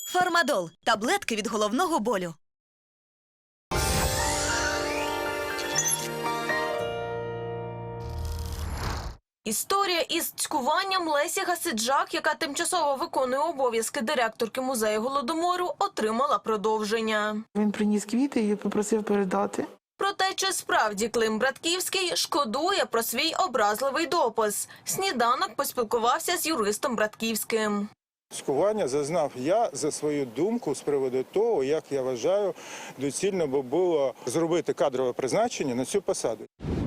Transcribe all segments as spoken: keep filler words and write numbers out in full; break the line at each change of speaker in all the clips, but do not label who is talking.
Фармадол – таблетки від головного болю.
Історія із цькуванням Лесі Гасиджак, яка тимчасово виконує обов'язки директорки музею Голодомору, отримала продовження.
Він приніс квіти і попросив передати.
Проте, чи справді Клим Братківський шкодує про свій образливий допис? Сніданок поспілкувався з юристом Братківським.
Цькування зазнав я за свою думку з приводу того, як я вважаю, доцільно би було зробити кадрове призначення на цю посаду.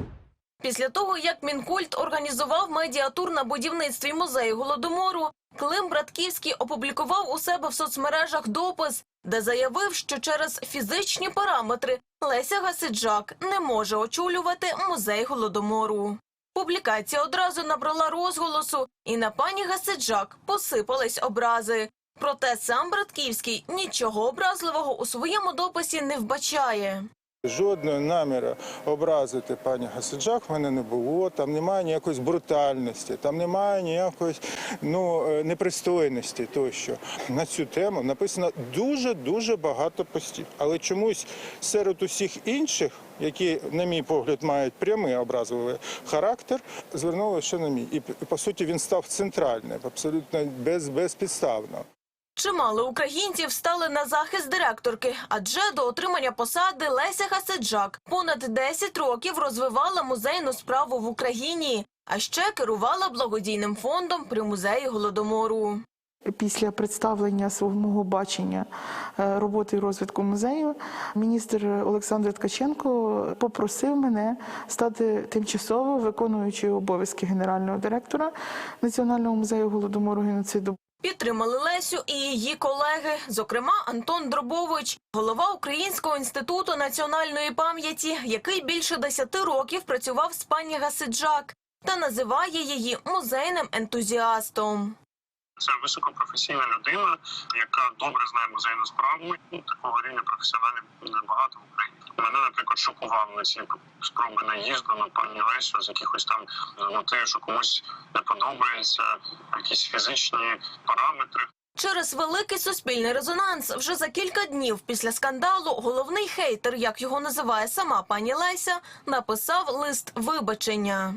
Після того, як Мінкульт організував медіатур на будівництві музею Голодомору, Клим Братківський опублікував у себе в соцмережах допис, де заявив, що через фізичні параметри Леся Гасиджак не може очолювати музей Голодомору. Публікація одразу набрала розголосу, і на пані Гасиджак посипались образи. Проте сам Братківський нічого образливого у своєму дописі не вбачає.
Жодного наміру образити пані Гасиджак в мене не було, там немає ніякої брутальності, там немає ніякої ну, непристойності тощо. На цю тему написано дуже-дуже багато постів. Але чомусь серед усіх інших, які, на мій погляд, мають прямий образливий характер, звернули ще на мій. І, по суті, він став центральним, абсолютно без, безпідставно.
Чимало українців стали на захист директорки, адже до отримання посади Леся Гасиджак понад десять років розвивала музейну справу в Україні, а ще керувала благодійним фондом при музеї Голодомору.
Після представлення свого мого бачення роботи і розвитку музею, міністр Олександр Ткаченко попросив мене стати тимчасово виконуючою обов'язки генерального директора Національного музею Голодомору геноциду.
Підтримали Лесю і її колеги, зокрема Антон Дробович, голова Українського інституту національної пам'яті, який більше десяти років працював з пані Гасиджак та називає її музейним ентузіастом.
Це високопрофесійна людина, яка добре знає музейну справу. Такого рівня професіоналів небагато в Україні. Мене, наприклад, шокували ці спроби наїзду на пані Лесю з якихось там мотивів, що комусь не подобається, якісь фізичні параметри.
Через великий суспільний резонанс вже за кілька днів після скандалу головний хейтер, як його називає сама пані Леся, написав лист вибачення.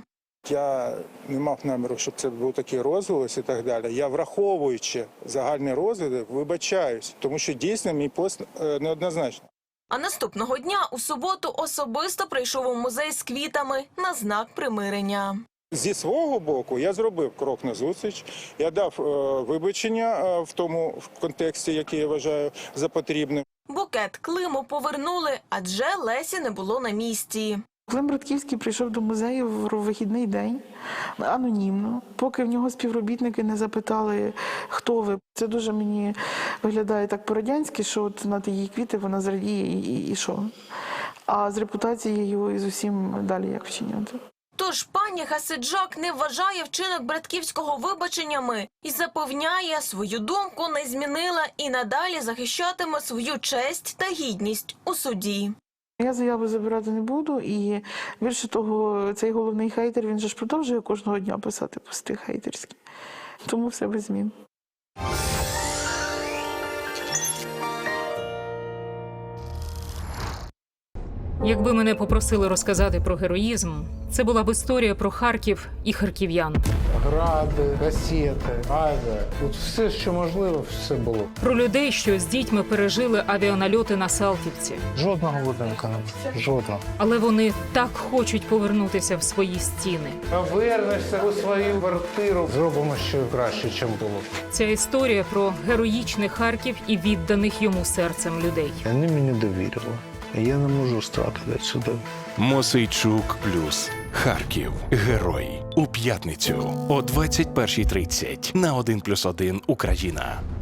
Я не мав наміру, щоб це був такий розголос і так далі. Я, враховуючи загальний розгляд, вибачаюсь, тому що дійсно мій пост неоднозначний.
А наступного дня у суботу особисто прийшов у музей з квітами на знак примирення.
Зі свого боку я зробив крок назустріч, я дав е, вибачення е, в тому в контексті, який я вважаю за потрібним.
Букет Климу повернули, адже Лесі не було на місці.
Клим Братківський прийшов до музею в вихідний день, анонімно, поки в нього співробітники не запитали, хто ви. Це дуже мені виглядає так по-радянськи, що от на її квіти вона зрадіє і, і, і що. А з репутацією і з усім далі як вчиняти.
Тож пані Гасиджак не вважає вчинок Братківського вибаченнями і запевняє, свою думку не змінила і надалі захищатиме свою честь та гідність у суді.
Я заяву забирати не буду, і більше того, цей головний хейтер, він же ж продовжує кожного дня писати пости хейтерські. Тому все без змін.
Якби мене попросили розказати про героїзм, це була б історія про Харків і харків'ян.
Гради, касети, авіа. Тут все, що можливо, все було.
Про людей, що з дітьми пережили авіанальоти на Салтівці.
Жодного будинку не було. Жодного.
Але вони так хочуть повернутися в свої стіни.
Повернешся у свою квартиру. Зробимо ще краще, ніж було.
Ця історія про героїчний Харків і відданих йому серцем людей.
Вони мені довірили. Я не можу стратити сюди.
Мосейчук плюс Харків. Герой. У п'ятницю о двадцять першій тридцять на один плюс один Україна.